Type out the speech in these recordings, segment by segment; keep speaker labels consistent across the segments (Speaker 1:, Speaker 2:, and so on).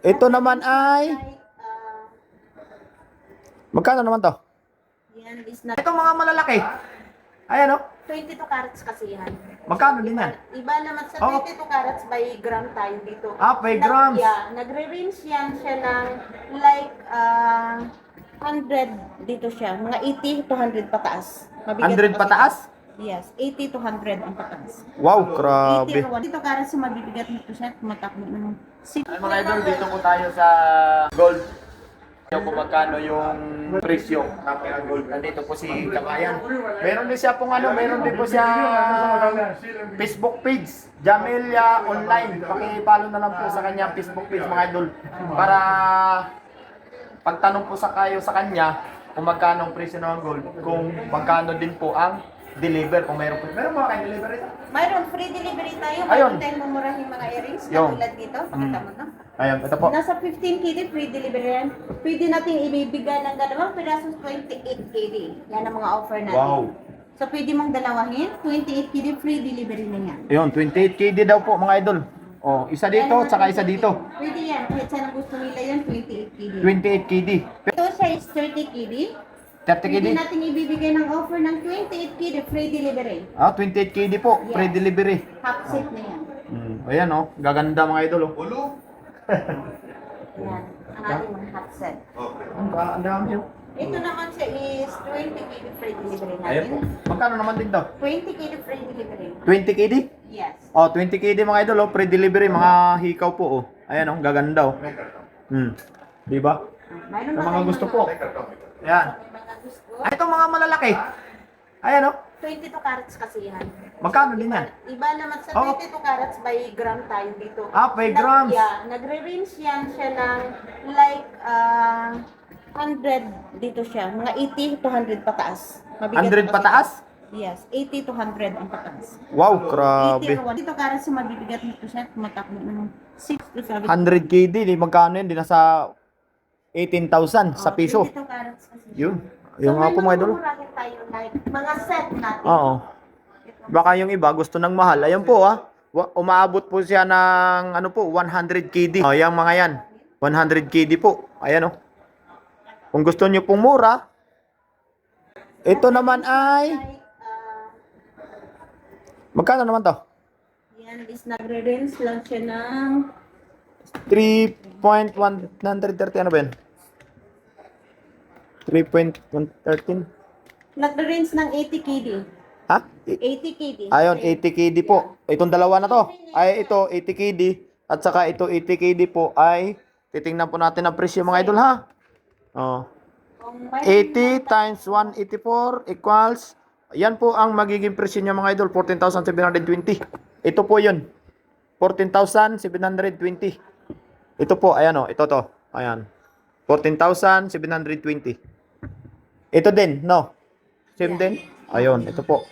Speaker 1: Ito naman ay, magkano naman to?
Speaker 2: Yan is not
Speaker 1: Ito mga malalaki. Ayan o.
Speaker 2: 22 carats kasi yan.
Speaker 1: Magkano din yan?
Speaker 2: Iba naman sa
Speaker 1: Oh.
Speaker 2: 22 carats by gram tayo dito.
Speaker 1: By grams.
Speaker 2: Yeah, nagre-range yan siya ng like 100 dito siya. Mga 80 to 100 pataas.
Speaker 1: 100
Speaker 2: kasi-
Speaker 1: pataas?
Speaker 2: Yes, 80 to 100 ang pataas.
Speaker 1: Wow, grabe.
Speaker 2: 80 dito carats mabibigat nito siya. Tumatakbo ng
Speaker 1: Ay, mga idol, dito po tayo sa gold. Kung magkano yung presyo ng gold. Nandito po si Kabayan. Meron din siya pong meron din po siya Facebook page, Jamelia Online. Paki-follow na lang po sa kanya Facebook page, mga idol. Para pagtanong po kayo sa kanya kung magkano ang presyo ng gold, kung magkano din po ang deliver, kung meron po. Meron mga kayo delivery?
Speaker 2: Mayroon free delivery tayo.
Speaker 1: Ayun.
Speaker 2: Mayroon tayong mamurahing mga earrings.
Speaker 1: Yung.
Speaker 2: Katulad dito. Pakita mo na.
Speaker 1: Ayun, ito po.
Speaker 2: Nasa 15 KD free delivery yan. Pwede natin ibibigay ng dalawang pirasos 28 KD. Yan ang mga offer natin.
Speaker 1: Wow.
Speaker 2: So pwede mong dalawahin, 28 KD free delivery na yan.
Speaker 1: Ayun, 28 KD daw po, mga idol. Oh, isa dito,
Speaker 2: Yan,
Speaker 1: tsaka isa dito.
Speaker 2: Pwede yan. Kahit saan ang gusto nila yan, 28 KD.
Speaker 1: 28 KD.
Speaker 2: Ito siya is 30 KD.
Speaker 1: 30 KD?
Speaker 2: Pwede natin ibibigay ng offer ng 28 KD free delivery.
Speaker 1: 28 KD po,
Speaker 2: Yes.
Speaker 1: free delivery.
Speaker 2: Half set na yan.
Speaker 1: Ayan oh, gaganda mga idol oh.
Speaker 2: Yan. Ang ating mga half set.
Speaker 1: Ang dami oh.
Speaker 2: Ito naman siya is 20 KD free delivery
Speaker 1: Ayan po.
Speaker 2: natin.
Speaker 1: Magkano naman din daw?
Speaker 2: 20 KD free delivery.
Speaker 1: 20 KD?
Speaker 2: Yes.
Speaker 1: Oh, 20 KD mga idol oh, free delivery, mga hikaw po oh. Ayan oh, gaganda oh. Di ba?
Speaker 2: Mayroon
Speaker 1: Sa
Speaker 2: ba
Speaker 1: mga
Speaker 2: tayong
Speaker 1: gusto po. Ayan.
Speaker 2: Mga gusto.
Speaker 1: Ay, itong mga malalaki. Ayan oh.
Speaker 2: 22 carats kasi yan.
Speaker 1: Magkano din yan?
Speaker 2: Iba naman sa
Speaker 1: Oh.
Speaker 2: 22 carats by gram tayo dito.
Speaker 1: By grams.
Speaker 2: Yeah, nagre-range yan siya ng like 100 dito siya. Mga 80 to 100 pataas.
Speaker 1: 100 pataas?
Speaker 2: Yes, 80 to 100 ang pataas.
Speaker 1: Wow,
Speaker 2: 80
Speaker 1: grabe.
Speaker 2: to 100. Dito carats mabibigat nito siya. Tumatakbo ng 6 to 7.
Speaker 1: 100 KD, di magkano yun? Di nasa 18,000 sa piso.
Speaker 2: 22 carats kasi.
Speaker 1: Yun. Yung nga po mga idol.
Speaker 2: mamumurahin tayo like mga set natin.
Speaker 1: Oo. Baka yung iba gusto ng mahal. Ayun po umaabot po siya ng 100 KD. Oh, yung mga yan. 100 KD po. Ayan oh. Kung gusto niyo pong mura, ito naman ay
Speaker 2: Like,
Speaker 1: magkano naman to?
Speaker 2: yan is nagre-range lang siya ng
Speaker 1: 3.130 ano ba yun? 3.113?
Speaker 2: nagre-range ng 80 KD.
Speaker 1: Ha?
Speaker 2: 80 KD.
Speaker 1: Ayun, 80 KD po. Itong dalawa na to. Ay, ito, 80 KD. At saka ito, 80 KD po ay titingnan po natin ang presyo mga idol ha. Oh.
Speaker 2: Kung may
Speaker 1: 80 times 184 equals, yan po ang magiging presyo niya mga idol, 14,720. Ito po yun. 14,720. Ito po, ayan o, ito to. Ayan. 14,720. Ito din, no? Same din? Ayun, ito po.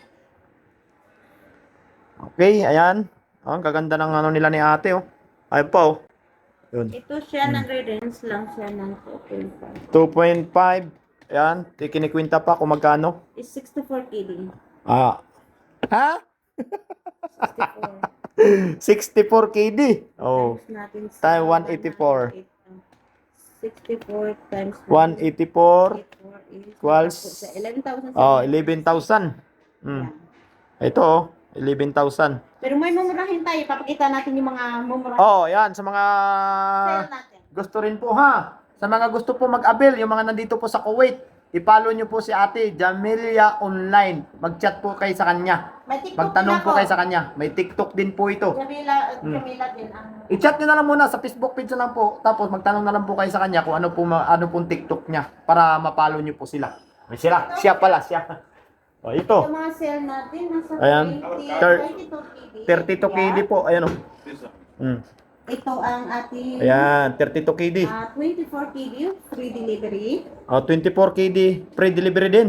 Speaker 1: Okay, ayan. Ang gaganda ng nila ni ate, oh. Ayun po, oh. Yun.
Speaker 2: Ito siya, nagre-range lang siya ng 2.5.
Speaker 1: 2.5. Ayan, kinikwinta pa kung magkano.
Speaker 2: Is 64 KD.
Speaker 1: Ha?
Speaker 2: 64.
Speaker 1: 64 KD. Oh.
Speaker 2: Times natin sa
Speaker 1: Time 184.
Speaker 2: 64 times
Speaker 1: 184 equals
Speaker 2: sa 11,000.
Speaker 1: 11,000. Ito oh, 11,000.
Speaker 2: Pero may mumurahin tayo. Papakita natin yung mga mumurahin.
Speaker 1: Oh, yan sa mga
Speaker 2: Sale natin.
Speaker 1: gusto rin po ha. Sa mga gusto po mag-avail, yung mga nandito po sa Kuwait, i-follow nyo po si Ate Jamelia Online. Mag-chat po kayo sa kanya.
Speaker 2: May TikTok
Speaker 1: Magtanong
Speaker 2: din
Speaker 1: po
Speaker 2: ako.
Speaker 1: kayo sa kanya. May TikTok din po ito.
Speaker 2: Jamila din ang...
Speaker 1: I-chat nyo na lang muna sa Facebook page na lang po. Tapos magtanong na lang po kayo sa kanya kung ano pong TikTok niya para ma-follow nyo po sila. May sila. Siya pala. Siya. O, ito.
Speaker 2: Yung mga sale natin, nasa
Speaker 1: Ayan.
Speaker 2: 32 KD.
Speaker 1: 32 KD po. Ayan o.
Speaker 2: Ito ang ating
Speaker 1: Ayan. 32 KD.
Speaker 2: 24 KD free delivery.
Speaker 1: O, 24 KD. Free delivery din.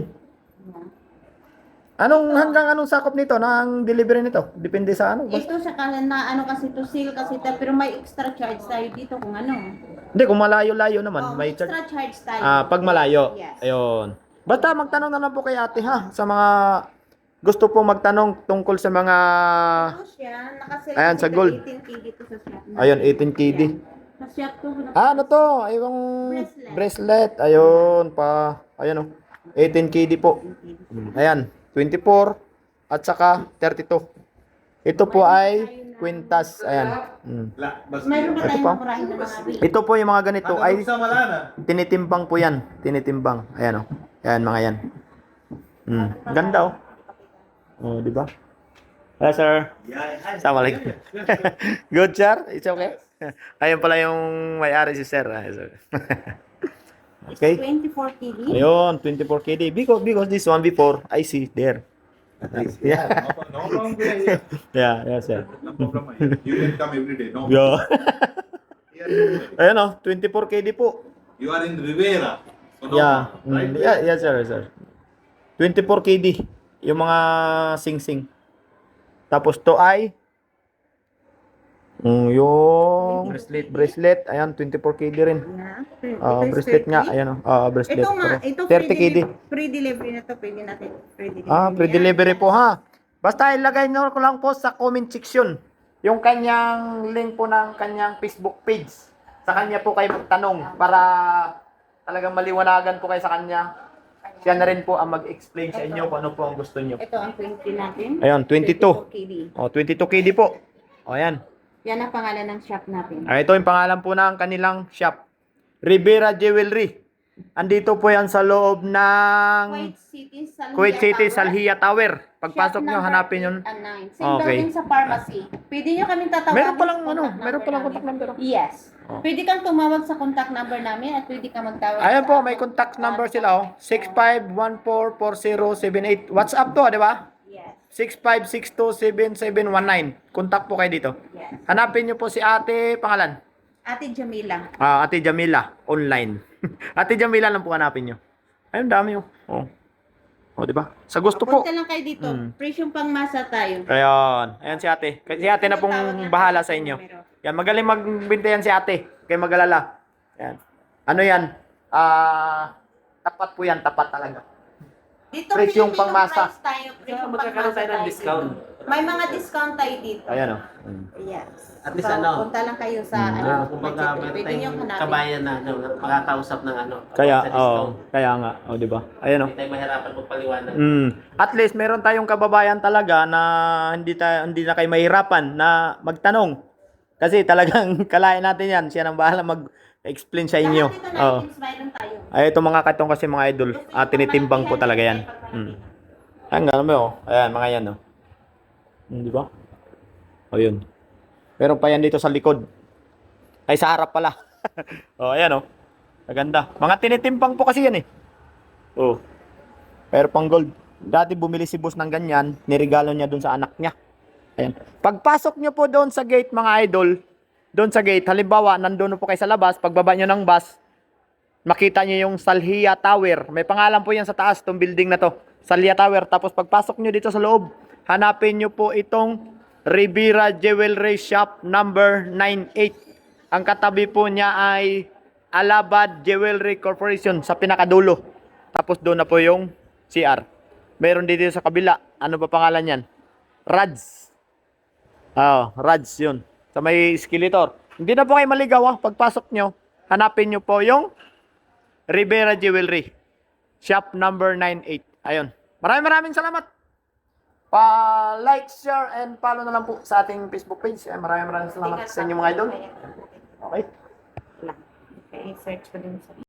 Speaker 1: Hanggang anong sakop nito? Ng delivery nito? Depende sa ano.
Speaker 2: Ito sa kanan na ano kasi to sale kasi pero may extra charge tayo dito kung ano.
Speaker 1: Hindi, kung malayo-layo naman.
Speaker 2: Oh,
Speaker 1: May charge.
Speaker 2: extra charge tayo.
Speaker 1: Pag malayo.
Speaker 2: Yes.
Speaker 1: Ayun. Basta magtanong na lang po kay ate ha. Sa mga gusto po magtanong tungkol sa mga...
Speaker 2: Ito siya, nakasale
Speaker 1: Ayan,
Speaker 2: kasi
Speaker 1: sa gold.
Speaker 2: 18 KD to sa shop.
Speaker 1: Ayun, 18 KD.
Speaker 2: Sa shop ko.
Speaker 1: Ano to? Ay, yung bracelet. Ayun, ayun o. 18 KD po. Ayan, 24 at saka 32. Ito po ay quintas. Ayan.
Speaker 2: Mayroon ba
Speaker 1: Ito
Speaker 2: tayong
Speaker 1: pa.
Speaker 2: murahin na mga big?
Speaker 1: Ito po yung mga ganito ay tinitimbang po yan. Tinitimbang. Ayan o. Ayan, mga yan. Ganda o. Oh, di ba? Hello, sir. Assalamualaikum. Good, sir? It's okay? Ayun pala yung may-ari si sir. Okay.
Speaker 2: 24 TV.
Speaker 1: Ayun, 24 KD. Because this one before, I see there. Yeah.
Speaker 3: No problem. Yeah.
Speaker 1: Yeah, sir.
Speaker 3: No problem. You can come every day. No.
Speaker 1: Yeah.
Speaker 3: Here,
Speaker 1: Ayun o, 24 KD po.
Speaker 3: you are in Rivera. So no
Speaker 1: Yeah.
Speaker 3: problem, right?
Speaker 1: Yeah, sir. 24 KD. Yung mga sing-sing. Tapos to ay yung bracelet. Ayan, 24 KD rin. Bracelet nga. Ayan o. Bracelet.
Speaker 2: Ito nga,
Speaker 1: Pero
Speaker 2: ito
Speaker 1: 30 KD.
Speaker 2: free delivery na to. Pwede natin free delivery.
Speaker 1: Free delivery po ha. Basta ilagay nyo ko lang po sa comment section yung kanyang link po ng kanyang Facebook page. Sa kanya po kayo magtanong para talagang maliwanagan po kayo sa kanya. Siya na rin po ang mag-explain sa inyo kung ano po ang gusto nyo.
Speaker 2: Ito ang 20 natin.
Speaker 1: Ayun, 22.
Speaker 2: 24 KD.
Speaker 1: 22 KD po. Ayan.
Speaker 2: Yan ang pangalan ng shop natin.
Speaker 1: Ito yung pangalan po ng kanilang shop. Rivera Jewelry. Andito po yan sa loob ng Kuwait City, Salhia Tower. Pagpasok nyo, hanapin yun.
Speaker 2: Same building sa pharmacy. Pwede nyo kami tatawagin.
Speaker 1: Meron palang contact number.
Speaker 2: Yes. Pwede kang tumawag sa contact number namin at pwede kang magtawag.
Speaker 1: Ayan po, may contact number sila oh. 65144078. WhatsApp to, di ba?
Speaker 2: Yes.
Speaker 1: 65627719. Contact po kayo dito.
Speaker 2: Yes.
Speaker 1: Hanapin nyo po si ate, pangalan?
Speaker 2: Ate Jamila.
Speaker 1: Ate Jamila, online. Ate Jamila lang po hanapin nyo. Ayun, dami oh. Oh, di ba? Sa gusto po.
Speaker 2: Punta lang kayo dito. Presyong pangmasa tayo.
Speaker 1: Ayan si ate. Si ate na pong bahala sa inyo. Yan, magaling magbinta yan si ate. Kaya mag-alala. Yan. Ano yan? Tapat po yan, tapat talaga.
Speaker 2: Dito
Speaker 1: Presyong pangmasa.
Speaker 2: price tayo. Presyong
Speaker 4: Magkakaroon tayo ng
Speaker 2: tayo.
Speaker 4: discount.
Speaker 2: May mga discount tayo dito.
Speaker 1: Ayan oh.
Speaker 2: Yes.
Speaker 4: At least ano,
Speaker 2: punta lang kayo sa ano,
Speaker 4: kumbaga
Speaker 2: budget.
Speaker 4: meron
Speaker 2: Pwede nyo
Speaker 4: tayong
Speaker 2: hanapin.
Speaker 4: kabayan na makakausap ng
Speaker 1: Kaya,
Speaker 4: sa discount.
Speaker 1: kaya nga. Di ba? Ayan oh.
Speaker 4: Hindi tayo mahirapan magpaliwanag.
Speaker 1: At least meron tayong kababayan talaga na hindi na kayo mahirapan na magtanong. Kasi talagang kalain natin yan. Siya nang bahala mag-explain sa inyo.
Speaker 2: Lahat dito na items mayroon tayo.
Speaker 1: Ay, ito mga katong kasi mga idol. Tinitimbang po talaga yan. Ayan, gano'n mo. Ayan, mga yan. Oh. Di ba? O yun. Meron pa yan dito sa likod. Ay, sa harap pala. Ayan oh. Maganda. Mga tinitimbang po kasi yan eh. Pero pang gold. Dati bumili si boss ng ganyan. Nirigalo niya dun sa anak niya. Ayan. Pagpasok nyo po doon sa gate mga idol, doon sa gate, halimbawa, nandun po kayo sa labas, pagbaba nyo ng bus, makita nyo yung Salhia Tower. May pangalan po yan sa taas, itong building na to. Salhia Tower. Tapos pagpasok nyo dito sa loob, hanapin nyo po itong Rivera Jewelry Shop number 98. Ang katabi po niya ay Alabad Jewelry Corporation sa pinakadulo. Tapos doon na po yung CR. Meron dito sa kabila. Ano ba pangalan yan? Rads. Rads yun. Sa may skeletor. Hindi na po kayo maligaw pagpasok nyo, hanapin nyo po yung Rivera Jewelry Shop number 98. Ayun. Maraming salamat. Pa-like, share, and follow na lang po sa ating Facebook page. Maraming salamat sa inyo mga idol. Okay.
Speaker 2: Okay, search ko din sa